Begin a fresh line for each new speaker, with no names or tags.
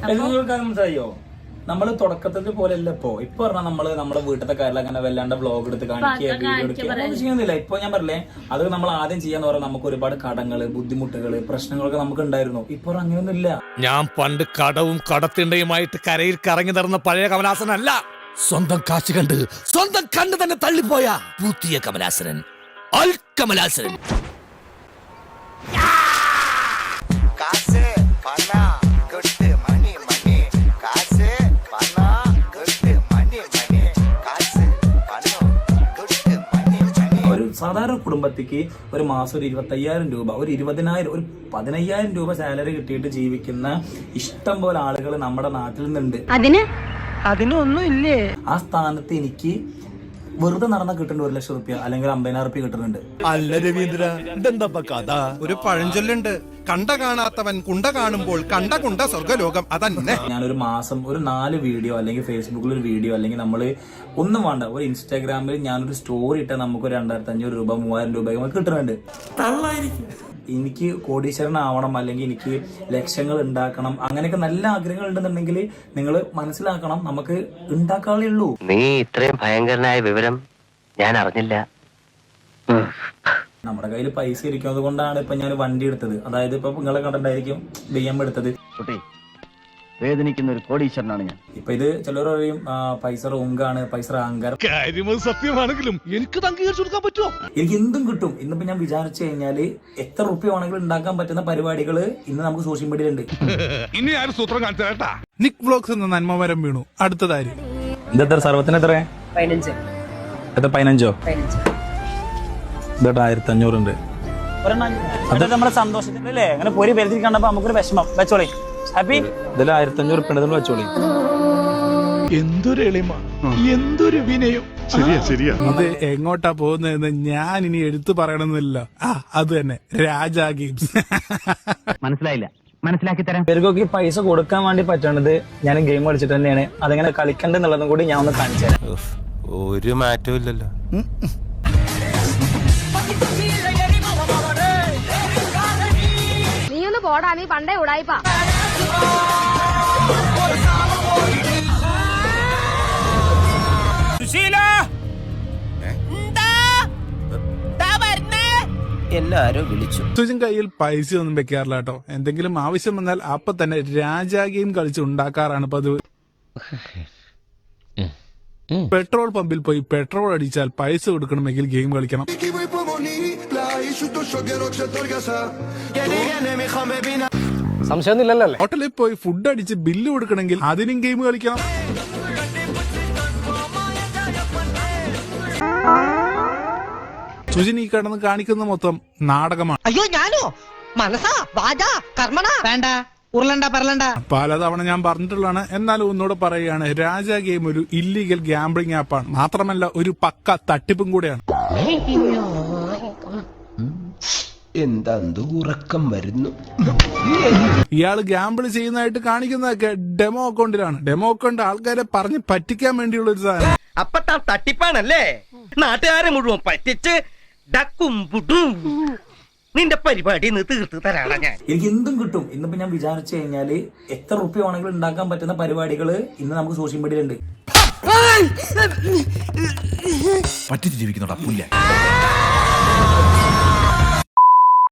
മനസ്സിലായോ? നമ്മള് തുടക്കത്തിന്റെ പോലെ അല്ല ഇപ്പൊ പറഞ്ഞാൽ നമ്മള് നമ്മുടെ വീട്ടിലത്തെ കാര്യം അങ്ങനെ വല്ലാണ്ട് വ്ളോഗ് എടുത്ത് കാണിക്കുക, വീഡിയോ എടുക്കുക ചെയ്യുന്നില്ല. ഇപ്പൊ ഞാൻ പറഞ്ഞേ, അത് നമ്മൾ ആദ്യം ചെയ്യാന്ന് പറഞ്ഞാൽ നമുക്ക് ഒരുപാട് കടങ്ങള്, ബുദ്ധിമുട്ടുകള്, പ്രശ്നങ്ങളൊക്കെ നമുക്ക് ഉണ്ടായിരുന്നു. ഇപ്പൊ അങ്ങനെയൊന്നും ഇല്ല.
ഞാൻ പണ്ട് കടവും കടത്തിണ്ടയുമായിട്ട് കരയിൽ കറങ്ങി നടന്ന പഴയ കമലാസനല്ല. സ്വന്തം കാശ് കണ്ട് സ്വന്തം കണ്ണ് തന്നെ തള്ളിപ്പോയ പുതിയ കമലാസനൻ, അൽ കമലാസനൻ.
സാധാരണ കുടുംബത്തിക്ക് ഒരു മാസം ഒരു 25,000 രൂപ, ഒരു 20,000, ഒരു 15,000 രൂപ സാലറി കിട്ടിയിട്ട് ജീവിക്കുന്ന ഇഷ്ടം പോലെ ആളുകൾ നമ്മുടെ നാട്ടിൽ നിന്നുണ്ട്.
അതിനൊന്നും ഇല്ലേ?
ആ സ്ഥാനത്ത് എനിക്ക് വെറുതെ നടന്ന കിട്ടുന്നുണ്ട് 1 ലക്ഷം റുപ്യ അല്ലെങ്കിൽ 50,000 റുപ്യ കിട്ടുന്നുണ്ട്.
അല്ല രവീന്ദ്ര, ഇതെന്താ കഥ?
ഒരു പഴഞ്ചൊല്ലുണ്ട്, കണ്ട കാണാത്തവൻ കുണ്ട കാണുമ്പോൾ കണ്ട കുണ്ട സ്വർഗ്ഗലോകം. അതന്നെ.
ഞാനൊരു മാസം ഒരു 4 വീഡിയോ അല്ലെങ്കിൽ ഫേസ്ബുക്കിൽ ഒരു വീഡിയോ അല്ലെങ്കിൽ നമ്മൾ ഒന്നും വേണ്ട, ഒരു ഇൻസ്റ്റാഗ്രാമിൽ ഞാനൊരു സ്റ്റോറി ഇട്ടാൽ നമുക്ക് 2,500 രൂപ 3,000 രൂപ നമുക്ക് കിട്ടുന്നുണ്ട്. എനിക്ക് കോടീശ്വരനാവണം അല്ലെങ്കിൽ എനിക്ക് ലക്ഷങ്ങൾ ഉണ്ടാക്കണം, അങ്ങനെയൊക്കെ നല്ല ആഗ്രഹങ്ങൾ ഉണ്ടെന്നുണ്ടെങ്കിൽ നിങ്ങൾ മനസ്സിലാക്കണം, നമുക്ക് ഉണ്ടാക്കാനേ ഉള്ളൂ.
നീ ഇത്രയും ഭയങ്കരനായ വിവരം ഞാൻ അറിഞ്ഞില്ല.
നമ്മുടെ കയ്യിൽ പൈസ ഇരിക്കുന്നത് കൊണ്ടാണ് ഇപ്പൊ ഞാൻ വണ്ടി എടുത്തത്. അതായത് ഇപ്പൊ നിങ്ങളെ കണ്ടിട്ടായിരിക്കും BM എടുത്തത്.
വേദനിക്കുന്ന ഒരു കോടീശ്വരനാണ് ഞാൻ.
ഇപ്പൊ ഇത് ചിലർ പറയും പൈസ റോങ്കാണ്, പൈസ അഹങ്കാരം.
കാര്യം സത്യമാണെങ്കിലും എനിക്ക് അംഗീകരിച്ചു കൊടുക്കാൻ പറ്റുമോ?
എനിക്ക് എന്തും കിട്ടും. ഇന്നിപ്പോ ഞാൻ വിചാരിച്ചു കഴിഞ്ഞാല് എത്ര റുപ്യ വേണമെങ്കിലും ഉണ്ടാക്കാൻ പറ്റുന്ന പരിപാടികൾ ഇന്ന് നമുക്ക് സോഷ്യൽ മീഡിയയിലുണ്ട്.
ഇനി ആരും സൂത്രം കാണിച്ചാ
നിക് വ്ലോഗ്സ് എന്ന നന്മമരം വീണു. അടുത്തതായി
ഇതെത്ര സർവത്തിന് എത്ര?
15.
എത്ര? 15. ഇതേട്ടാ 1,500 ഉണ്ട്.
അത് നമ്മുടെ സന്തോഷത്തിനല്ലേ, അങ്ങനെ പൊരി പെരുത്തി കണ്ടപ്പോ നമുക്കൊരു വിഷമം. വെച്ചോളി, ഹാപ്പി.
ഇതിൽ 1,500 ഉറുപ്പിക വെച്ചോളി.
എന്തൊരു എളിമ, എന്തൊരു വിനയം. ശരിയാ. ഇത് എങ്ങോട്ടാ പോകുന്നതെന്ന് ഞാൻ ഇനി എടുത്തു പറയണമെന്നില്ല. അത് തന്നെ, രാജാ ഗെയിംസ്.
മനസ്സിലായില്ല, മനസ്സിലാക്കി തരാം.
ഇവർക്കൊക്കെ പൈസ കൊടുക്കാൻ വേണ്ടി പറ്റേണ്ടത് ഞാൻ ഗെയിം കളിച്ചിട്ട് തന്നെയാണ്. അതെങ്ങനെ കളിക്കണ്ടെന്നുള്ളതും കൂടി ഞാൻ ഒന്ന് കാണിച്ചു തരാം.
ഒരു മാറ്റവും ഇല്ലല്ലോ.
നീ ഒന്ന് പോടാ, നീ പണ്ടേ ഉടായിപ്പാ.
എല്ലാരും വിളിച്ചു.
സുജിൻ കയ്യിൽ പൈസ ഒന്നും വെക്കാറില്ല കേട്ടോ. എന്തെങ്കിലും ആവശ്യം വന്നാൽ അപ്പൊ തന്നെ രാജാ ഗെയിം കളിച്ച് ഉണ്ടാക്കാറാണ് പതിവ്. പെട്രോൾ പമ്പിൽ പോയി പെട്രോൾ അടിച്ചാൽ പൈസ കൊടുക്കണമെങ്കിൽ ഗെയിം കളിക്കണം.
സംശയമൊന്നുമില്ലല്ലോ.
ഹോട്ടലിൽ പോയി ഫുഡ് അടിച്ച് ബില്ല് കൊടുക്കണമെങ്കിൽ അതിനും ഗെയിം കളിക്കണം. സുജിൻ ഈ കിടന്ന് കാണിക്കുന്ന മൊത്തം നാടകമാണ്.
അയ്യോ ഞാനോ? മനസ്സാ വാചാ കർമ്മണ വേണ്ട, ഉരുളണ്ട പറലണ്ട.
പലതവണ ഞാൻ പറഞ്ഞിട്ടുള്ളതാണ്, എന്നാലും ഒന്നുകൂടെ പറയുകയാണ്. രാജാ ഗെയിം ഒരു ഇല്ലീഗൽ ഗാംബ്ലിംഗ് ആപ്പാണ്. മാത്രമല്ല ഒരു പക്ക തട്ടിപ്പും കൂടെയാണ്.
എന്താ ഉറക്കം വരുന്നു.
ഇയാള് ഗാംബിൾ ചെയ്യുന്നതായിട്ട് കാണിക്കുന്നതൊക്കെ ഡെമോ അക്കൗണ്ടിലാണ്. ഡെമോ അക്കൗണ്ട് ആൾക്കാരെ പറഞ്ഞ് പറ്റിക്കാൻ വേണ്ടിയുള്ള ഒരു സാധനം.
അപ്പൊ താൻ തട്ടിപ്പാണല്ലേ? നാട്ടുകാരെ മുഴുവൻ പറ്റിച്ച് ഡക്കും പുട്ടും നിന്റെ പരിപാടി തീർത്ത് തരാണ് ഞാൻ.
എനിക്ക് എന്തും കിട്ടും. ഇന്നിപ്പോ ഞാൻ വിചാരിച്ചു കഴിഞ്ഞാല് എത്ര റുപ്യ വേണമെങ്കിലും ഉണ്ടാക്കാൻ പറ്റുന്ന പരിപാടികൾ ഇന്ന് നമുക്ക് സോഷ്യൽ മീഡിയയിലുണ്ട്.
പറ്റിച്ച് ജീവിക്കുന്നുണ്ടാ പുല്ല.